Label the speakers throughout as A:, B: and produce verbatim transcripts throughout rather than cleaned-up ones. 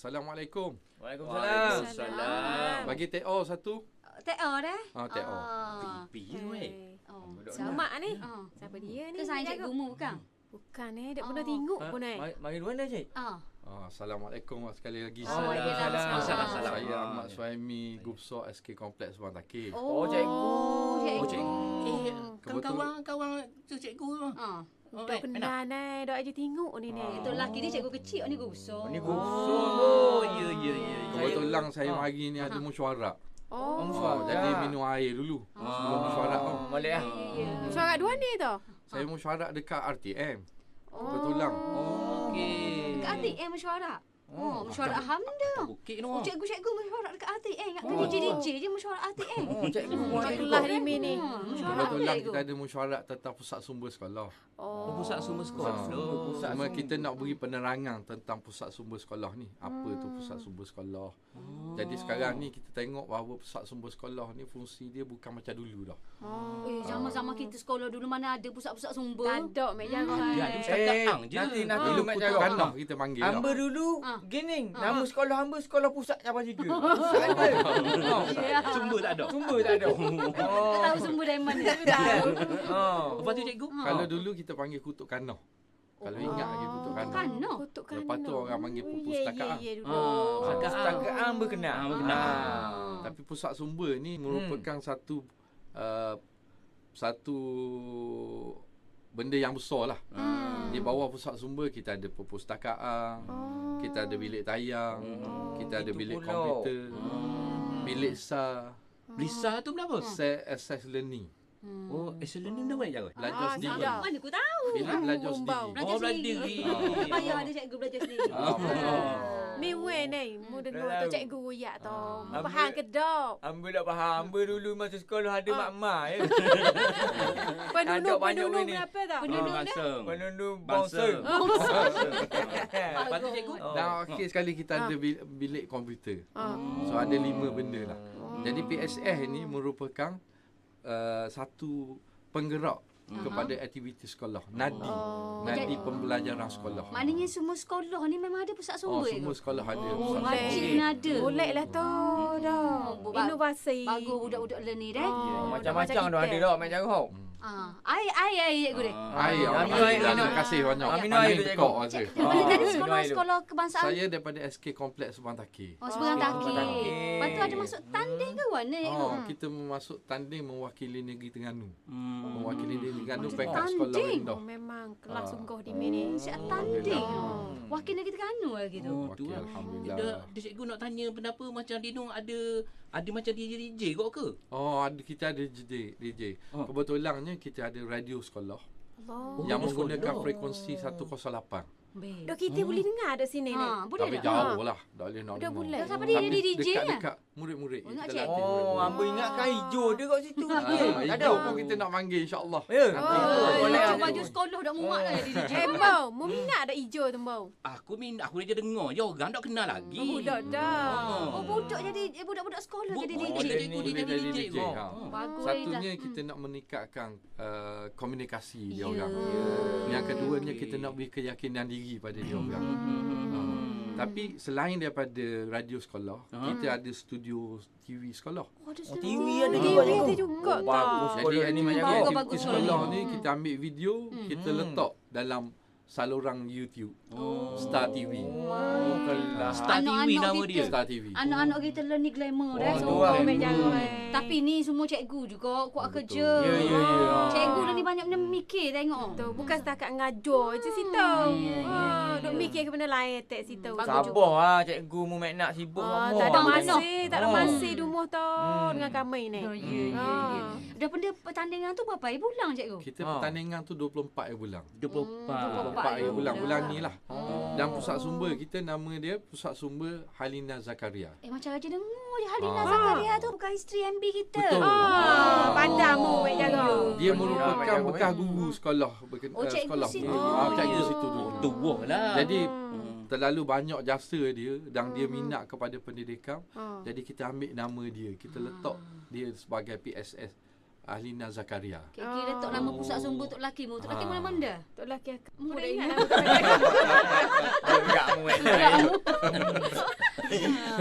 A: Assalamualaikum.
B: Waalaikumsalam.
C: Waalaikumsalam.
A: Bagi T O satu.
D: T O dah?
A: Ah, T O.
C: Pipi weh.
D: Oh.
B: Sama ni.
D: Oh.
B: Siapa dia ni?
D: Ke saya cikgu mu bukan?
B: Bukan eh, tak pernah
D: Oh.
B: tengok
C: Ha,
B: pun eh.
C: Mari mari duluan dah, Cik.
D: Ah.
A: Ah, Assalamualaikum sekali lagi.
D: Oh,
A: Saya,
D: Waalaikumsalam.
C: Waalaikumsalam.
A: saya Ahmad Suhaimi, Gupso S K Kompleks Subang Takir.
C: Oh, cikgu.
D: cikgu.
C: Oh, cikgu. Eh,
A: Kebetul-
C: kawan-kawan tu cikgu tu.
D: Ah.
C: Oh,
B: Dok kenal ni, dok aja tengok ni ni.
C: Ah.
D: Itu lelaki dia cikgu kecil ni Gusok.
C: Oh, ni Gupso. Oh, ya ya ya.
A: Kebetulan saya
C: Ah.
A: hari ni ada mesyuarat.
B: Oh,
A: Oh, jadi minum air dulu. Sebelum mesyuarat tu.
C: Boleh ah.
B: suara dua ni tu.
A: Saya mesyuarat dekat R T M.
B: Oh.
A: Kebetulan.
C: Okey.
D: Dekat Atik eh mesyuarat. Oh, mesyuarat Hamda.
C: Bukit
D: Oh,
C: no.
D: cikgu-cikgu mesyuarat dekat Atik eh. Ingat
C: Oh.
D: D J D J je mesyuarat Atik eh.
C: Oh, cikgu.
B: Macam kelas di ni.
D: Hmm, mesyuarat
A: Kebetulan
D: cikgu.
A: kita ada mesyuarat tentang pusat sumber sekolah.
C: Oh, pusat sumber sekolah.
A: Ah,
C: Oh, pusat
A: Cuma
C: sumber.
A: kita nak beri penerangan tentang pusat sumber sekolah ni. Apa tu pusat sumber sekolah. Jadi sekarang ni kita tengok bahawa pusat sumber sekolah ni fungsi dia bukan macam dulu dah.
B: Oh.
D: Eh, zaman-zaman kita sekolah dulu mana ada pusat-pusat sumber.
B: Tak ada mek jaga.
C: Dia ada setakat ang je.
E: nanti nanti
A: Dulu
E: lu mak
A: kutuk
E: cakap.
A: kanah kita panggil.
E: Hamba
A: dah.
E: dulu
D: Ah.
E: gini,
D: Ah.
E: nama sekolah hamba sekolah pusat cabang tiga. Pusat ada.
D: Ya.
C: Sumber tak ada.
E: Sumber tak ada.
D: Kau
E: Oh.
D: tahu sumber dari mana?
E: Oh.
C: Lepas tu cikgu.
A: Kalau dulu kita panggil kutuk kanah. Kalau ingat lagi kutuk kanah.
D: Kanah.
B: Kutuk
A: Lepas tu orang panggil
B: Oh,
A: perpustakaan.
B: Ya, ya, ya.
C: Ah,
B: dulu.
E: Pustakaan berkenal.
C: Ah, berkenal.
E: Ah.
A: Tapi pusat sumber ni merupakan satu uh, satu benda yang besar lah.
D: Hmm.
A: Di bawah pusat sumber kita ada perpustakaan,
B: Oh.
A: kita ada bilik tayang,
E: Oh,
A: kita ada
E: itu
A: bilik
E: pula.
A: komputer,
C: Hmm.
A: bilik S A,
C: Lisa tu berapa?
A: set access learning,
D: Hmm.
C: Oh, excellent ni dah boleh jaga.
A: belajar
B: Ah,
A: sendiri.
B: tak.
D: Mana aku tahu.
A: Bilik belajar
B: Bumbau.
A: sendiri.
D: Belajar
C: Oh, belajar
D: sendiri.
C: sendiri.
D: Payah ada cikgu belajar sendiri.
A: Ah,
B: Ni weh ni, mu dengar
E: Dah
B: tu
E: tahu.
B: cikgu royak tu. Mu
E: Ambil-
B: faham ke dok?
E: Hamba tak faham. Hamba dulu masa sekolah ada
B: Ah.
E: mak-mak ya.
B: Penduduk
E: banyak
B: penduduk
E: ni.
B: berapa tau?
D: Penduduk dia.
C: Bangsa.
E: Penunduk
C: Bangsa.
E: bangsa.
C: Lepas tu cikgu.
E: Oh.
A: Dan akhir sekali kita ada bil- bilik komputer.
B: Ah.
A: So ada lima benda lah. Jadi P S S ni merupakan uh, satu penggerak kepada aktiviti sekolah. Nadi.
B: Oh.
A: Nadi pembelajaran sekolah.
D: Maknanya semua sekolah ni memang ada pusat
A: Oh,
D: sumber
A: semua
D: ke?
A: sekolah ada.
D: Oh,
A: pusat
B: boleh.
D: wajib
A: sumber.
D: kena ada.
B: Boleh lah tu dah.
D: Oh, ba-
B: Inovasi.
D: Bagus budak-budak learning dah.
B: Oh,
E: Macam-macam dah ada
B: kita.
E: dah mak cakap.
D: Ah, air air air cikgu dia.
A: Air,
E: Ah,
A: Amin,
E: minum air,
A: terima
E: minum.
A: kasih banyak.
E: Ah, minum
A: Pandai
E: air tu,
A: tekak
E: cikgu.
A: aja.
D: Cikgu mana dari
E: minum
D: sekolah
E: air dulu.
D: sekolah kebangsaan?
A: Saya daripada S K Kompleks Subang Takir.
D: Oh, seberang
B: Oh,
D: Takir.
E: Seberang Takir.
D: Lepas tu ada masuk tanding ke mana cikgu?
A: Oh, kita memasuk tanding mewakili negeri Terengganu.
C: Hmm.
A: Mewakili negeri Terengganu
D: Oh,
A: backup sekolah
D: tanding.
A: rendah.
B: Oh, memang kelas
A: Ah.
B: sungguh di sini.
D: Siap tanding.
B: Oh.
D: Wakil negeri Terengganu lah gitu.
C: Oh, tu
A: Wakil,
C: lah.
A: Alhamdulillah.
C: Dia, dia cikgu nak tanya kenapa macam Dino ada ada macam D J D J kok ke?
A: Oh, ada kita ada D J. D J.
C: Oh.
A: Kebetulannya kita ada radio sekolah
B: Allah.
A: yang
C: radio
A: menggunakan
C: sekolah.
A: frekuensi seratus lapan.
D: Baik.
B: Dok kita boleh dengar kat sini ni.
D: Ha, boleh
A: Tapi
D: tak?
A: jauh lah. Tak boleh nak
B: Dah
A: dengar.
B: boleh.
D: Siapa dia jadi D J lah?
A: Dekat-dekat murid-murid.
D: Oh, nak
A: Kita
D: check.
A: latih
E: Oh,
A: murid-murid.
E: hamba ingatkan hijau dia kat situ.
A: Ah,
E: Tak ada.
A: hijau pun kita nak panggil insya-Allah.
E: Ya.
A: Nanti
B: Oh,
A: kita-
E: boleh.
D: Baju baju sekolah dah muat dah jadi D J.
B: Eh, Mbau, mu minat ada hijau tu, Mbau?
C: Aku min aku dia dengar je orang tak kenal lagi.
B: Oh, budak dah.
D: Oh, budak jadi eh, budak-budak sekolah
C: Bu-
D: jadi D
C: boleh
D: J.
C: cikgu
A: Boleh
C: dia
A: jadi
C: jadi D J.
A: D J, ha.
C: Oh.
D: Bagus
A: Satunya
D: lah.
A: kita nak meningkatkan uh, komunikasi dia
D: Ya.
A: orang. Yang keduanya kita nak beri keyakinan diri pada dia orang.
C: Hmm.
A: Tapi selain daripada radio sekolah,
C: Ha?
A: kita ada studio T V sekolah.
D: Oh, ada
E: Oh,
D: sekolah.
E: T V ada
B: T V
E: juga.
B: ada juga
E: Oh, bagus
B: tau.
E: sekolah
A: Jadi
E: ni mak
A: aktiviti
E: cakap.
D: bagus,
A: aktiviti
D: bagus.
A: sekolah
D: Hmm.
A: ni kita ambil video, kita
E: Hmm.
A: letak dalam saluran YouTube
C: Oh.
A: Star T V.
E: Oh, kelas.
C: Star T V
D: Anak-anak
C: nama
D: kita.
C: dia.
A: Star T V.
D: Anak-anak kita learn ni glamour dah.
E: Oh,
D: So,
E: tu lah.
B: Mek jaga.
D: tapi ni semua cikgu juga kuat
A: Betul.
D: kerja.
E: Ya, ya, ya.
D: Cikgu dah ni banyak benda mikir tengok.
B: Tu bukan setakat ngajar je situ.
D: ya,
B: Ha, duk mikir ke benda lain tak situ.
D: Bagus.
E: Sabar lah cikgu mu mak nak sibuk
B: Ah,
E: sama.
B: tak ada
D: Abang
B: masa, tak ada
E: Oh.
B: masa di rumah tu
E: Hmm.
B: dengan kami ni.
D: Ya, ya, ya,
B: Ah.
D: ya. Daripada pertandingan tu berapa hari bulan cikgu?
A: Kita
E: Ha.
A: pertandingan tu dua puluh empat hari bulan.
C: dua puluh empat.
D: Hmm,
A: dua puluh empat hari bulan bulan ni lah.
E: Oh.
A: Dan pusat sumber kita nama dia Pusat Sumber Halina Zakaria.
D: Eh macam Raja dengar je Halina
A: Ah.
D: Zakaria tu bukan isteri M B kita.
A: Betul.
B: Ah, padamu mek jaga.
A: Dia
E: Oh,
A: merupakan
E: ya,
A: bekas
E: ya.
A: guru sekolah berken-
D: Oh,
A: eh,
D: cikgu
A: sekolah.
D: situ.
A: Ah, cikgu
C: ya.
A: situ dulu.
C: Oh, tua lah.
A: Jadi
C: Hmm.
A: terlalu banyak jasa dia dan dia minat kepada pendidikan.
B: Ah.
A: Jadi kita ambil nama dia, kita letak dia sebagai P S S Halina Zakaria.
D: Kira letak nama pusat sumber untuk lelaki mu. Untuk lelaki
A: Ah.
D: mana-mana.
B: Tok lelaki
D: Mu dah
B: dah
D: ingat
B: ingat nama tok lelaki.
E: Enggak mu mak.
D: Kamu.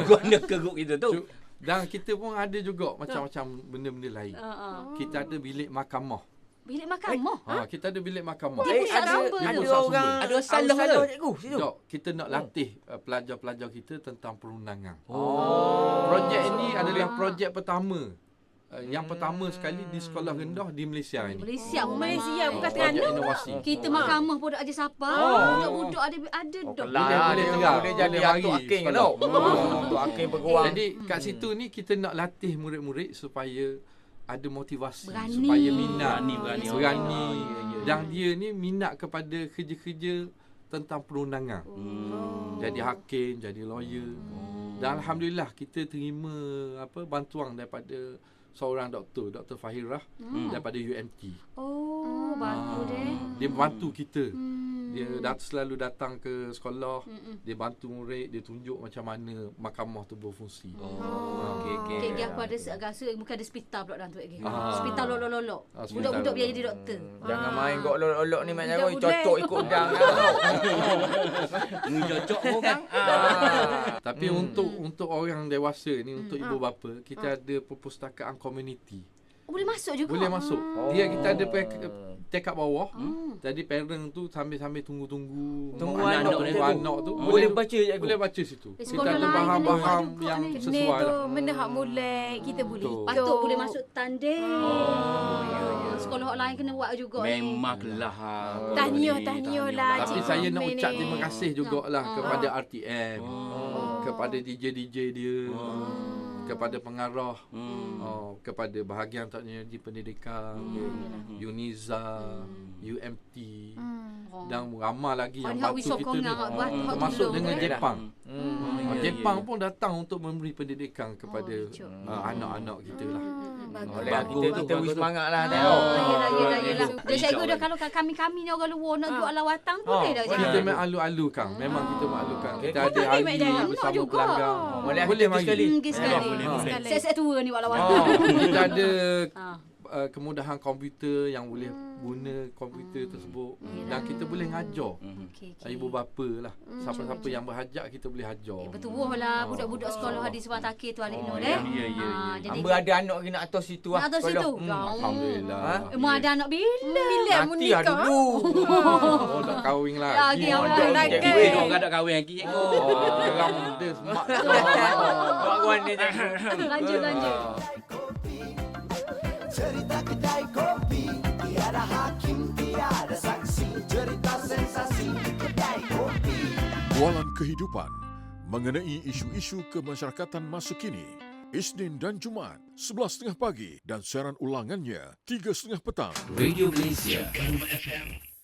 C: guna keruk kita tu.
A: Cu- Dan kita pun ada juga macam-macam benda-benda lain.
D: Ha ah.
A: Kita ada bilik mahkamah.
D: Bilik mahkamah.
A: Ha, kita ada bilik mahkamah.
D: Dia pusat
E: ada,
D: sumber
E: ada
A: tu.
E: orang
C: Ada salah ke?
E: cikgu situ.
A: Dok, kita nak latih uh, pelajar-pelajar kita tentang perundangan.
E: Oh.
A: Projek ini adalah projek pertama. Uh, yang pertama sekali di sekolah rendah di Malaysia ini.
D: Malaysia pun
B: Malaysia
D: memang.
B: bukan
A: Projek
B: Terengganu.
A: inovasi.
D: Kita mahkamah pun dak aja siapa.
E: Oh.
D: Budak-budak ada ada
E: Oh,
D: dak.
E: kelas
A: Boleh, boleh
E: dia
A: terang.
E: boleh jadi
A: Boleh
E: Atuk
A: mari
E: Hakim kan
A: sekolah.
E: tau. Oh, Atuk Hakim peguam.
A: Jadi kat situ ni kita nak latih murid-murid supaya ada motivasi,
D: Berani.
A: supaya minat,
C: Berani, berani.
A: berani.
C: Oh, ya, ya, ya.
A: Dan dia ni minat kepada kerja-kerja tentang perundangan.
C: Hmm.
A: Jadi hakim, jadi lawyer. Dan alhamdulillah kita terima apa bantuan daripada seorang doktor, Doktor Fahirah
D: Hmm.
A: daripada U M T.
D: Oh, bagus deh.
A: Dia bantu kita.
D: Hmm.
A: Dia dat selalu datang ke sekolah,
D: Hmm.
A: dia bantu murid, dia tunjuk macam mana mahkamah tu berfungsi.
C: Oh, okey okey.
D: Kek dia apa ada rasa muka ada hospital pula dalam tu lagi.
A: Ah.
D: Hospital lolok-lolok.
A: Ah, hospital
D: Budak-budak biar
A: lolok.
D: jadi doktor.
E: Jangan main gok olok-olok ni mak
B: Budak
E: jangan
B: boleh.
E: cocok ikut udang kan tau.
C: Ini cocok pun kan.
E: Ah.
A: Tapi
E: Hmm.
A: untuk untuk orang dewasa ni, untuk
B: Hmm.
A: ibu bapa, kita ada perpustakaan komuniti.
D: Oh, boleh masuk juga.
A: Boleh masuk.
E: Oh.
A: Dia kita ada pack- tek kat bawah.
D: Hmm.
A: Jadi parent tu sambil-sambil tunggu-tunggu
E: Tunggu
A: mak
E: anak
A: tunggu
E: tu.
A: anak tu
E: Boleh baca cikgu.
A: boleh baca situ.
D: Eh,
A: Kita
D: sekolah
A: ada
D: lain
A: bahan-bahan
D: kena buat
A: yang
D: juga ni.
A: sesuai
B: Ni tu
A: lah.
B: benda hak mulai kita boleh
A: Betul.
B: ikut.
D: Patut boleh masuk tanding.
C: Oh, ya, ya.
D: Sekolah hak lain kena buat juga ni.
C: Memanglah.
B: Tahniah, tahniah lah,
A: Tapi
B: Cik
A: saya nak
B: Mei
A: ucap
B: ni.
A: terima kasih jugalah
D: Ah.
A: kepada R T M,
C: Oh.
A: kepada D J D J dia, kepada pengarah,
C: Hmm.
A: oh, kepada bahagian teknologi pendidikan, Uniza, U M T
D: Oh.
A: dan ramai lagi
D: Oh,
A: yang
D: ni hak
A: bantu
D: wisokong
A: kita ni.
D: yang hak buat- hak
A: Termasuk
D: tolong
A: dengan
D: tu, eh?
A: Jepang.
E: Hmm.
A: Ah,
C: Ya,
A: Jepang
C: ya.
A: pun datang untuk memberi pendidikan kepada
D: Oh, lucu.
A: ah, anak-anak kita lah.
B: Bagus.
E: Oleh
A: Bagus
E: kita
A: tu,
E: kita
A: bagus
E: wis
A: tu.
E: semangat lah
D: Ah,
E: tengok.
D: yelah, yelah, yelah.
C: bagus.
D: Dah cikgu dah
C: Hijau
D: kalau kami-kami ni orang luar nak
B: Ah.
D: jual lawatan
E: Ah,
D: boleh dah
E: boleh.
A: Kita
D: cikgu.
A: memang alu-alukan. Memang kita mengalukan. Kita
E: Betul
A: ada
B: ni, Mak
A: hari
B: Jaya.
A: bersama
D: Nak juga.
A: pelanggan.
E: Oh, boleh
A: Boleh
E: kita
A: mari.
E: sekali.
D: Hmm, pergi sekali.
C: boleh,
A: boleh.
B: Sekali.
D: Saya-saya tua ni buat lawatan.
E: Oh.
A: Kita ada
D: Ah.
A: uh, kemudahan komputer yang boleh guna komputer tersebut. Dan kita boleh ngajar.
D: Okey,
A: Uh,
D: okey.
A: ibu bapa lah. Siapa-siapa yang berhajat kita boleh ajar.
D: Eh, betul lah budak-budak sekolah hadis Wan Takir tu alik
E: Oh,
D: Nur
C: ya,
D: eh.
C: ya, ya,
D: Ah,
C: ya.
D: jadi
E: Hamba ada anak lagi nak atas situ lah.
D: nak atas
E: sekolah.
D: situ.
E: Hmm.
D: Kau.
A: Alhamdulillah.
E: Ha?
D: Emang ada anak bila?
B: Bila mu
E: Nanti lah
B: nikah?
E: dulu.
A: Oh, tak kahwin
D: Lagi
A: lagi.
D: awak
E: Mondok
B: lagi.
E: cikgu.
C: Weh, kau tak kahwin lagi cikgu.
A: Oh, geram dia semak.
E: Buat kawan ni cikgu.
D: Lanjut lanjut.
F: Cerita kedai kopi tiada hakim, tiada saksi. Cerita sensasi kedai kopi.
G: Bualan kehidupan mengenai isu-isu kemasyarakatan masa kini. Isnin dan Jumaat, sebelas tiga puluh pagi dan siaran ulangannya tiga tiga puluh petang.
C: Radio Malaysia.